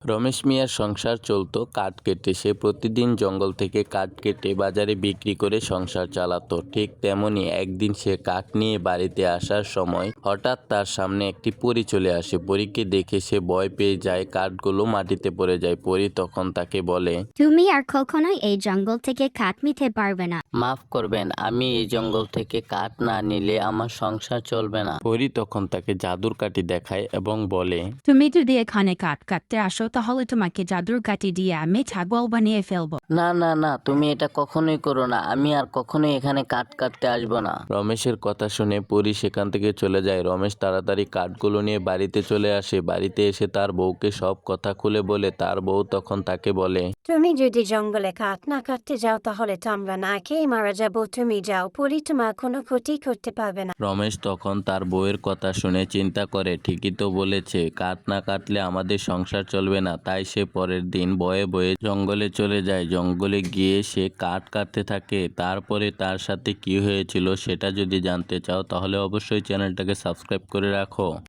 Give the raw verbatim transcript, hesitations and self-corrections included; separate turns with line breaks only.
রমেশ মিয়ার সংসার চলত কাঠ কেটে। সে প্রতিদিন জঙ্গল থেকে কাঠ কেটে বাজারে বিক্রি করে সংসার চালাতো। ঠিক তেমনি একদিন সে কাঠ নিয়ে বাড়িতে আসার সময় হঠাৎ তার সামনে একটি পরী চলে আসে। পরীকে দেখে সে ভয় পেয়ে যায়, কাঠগুলো মাটিতে পড়ে যায়। পরী তখন তাকে বলে,
তুমি আর কখনোই এই জঙ্গল থেকে কাঠ নিতে পারবে না।
মাফ করবেন, আমি এই জঙ্গল থেকে কাঠ না নিলে আমার সংসার চলবে না।
পরী তখন তাকে জাদুর কাঠি দেখায় এবং বলে,
তুমি যদি এখানে কাঠ কাটতে আসো তাহলে তোমাকে জাদুর কাঠি দিয়ে আমি ছাগল বানিয়ে ফেলবো।
না না না, তুমি এটা কখনোই করো না। আমি আর কখনোই এখানে কাঠ কাটতে আসবো না।
রমেশের কথা শুনে পরী সেখান থেকে চলে যায়। রমেশ তাড়াতাড়ি কাঠগুলো নিয়ে বাড়িতে চলে আসে। বাড়িতে এসে তার বউকে সব কথা খুলে বলে। তার বউ তখন তাকে বলে,
তুমি যদি জঙ্গলে কাঠ না কাটতে যাও তাহলে তো আমরা না খেয়ে মারা যাবো। তুমি যাও, পরি তোমার কোনো ক্ষতি করতে পারবে না।
রমেশ তখন তার বউয়ের কথা শুনে চিন্তা করে, ঠিকই তো বলেছে, কাঠ না কাটলে আমাদের সংসার চলবে না। তাই সে পরের দিন বয়ে বয়ে জঙ্গলে চলে যায়। জঙ্গলে গিয়ে সে কাঠ কাটতে থাকে। তারপরে তার সাথে কি হয়েছিল সেটা যদি জানতে চাও তাহলে অবশ্যই চ্যানেলটাকে সাবস্ক্রাইব করে রাখো।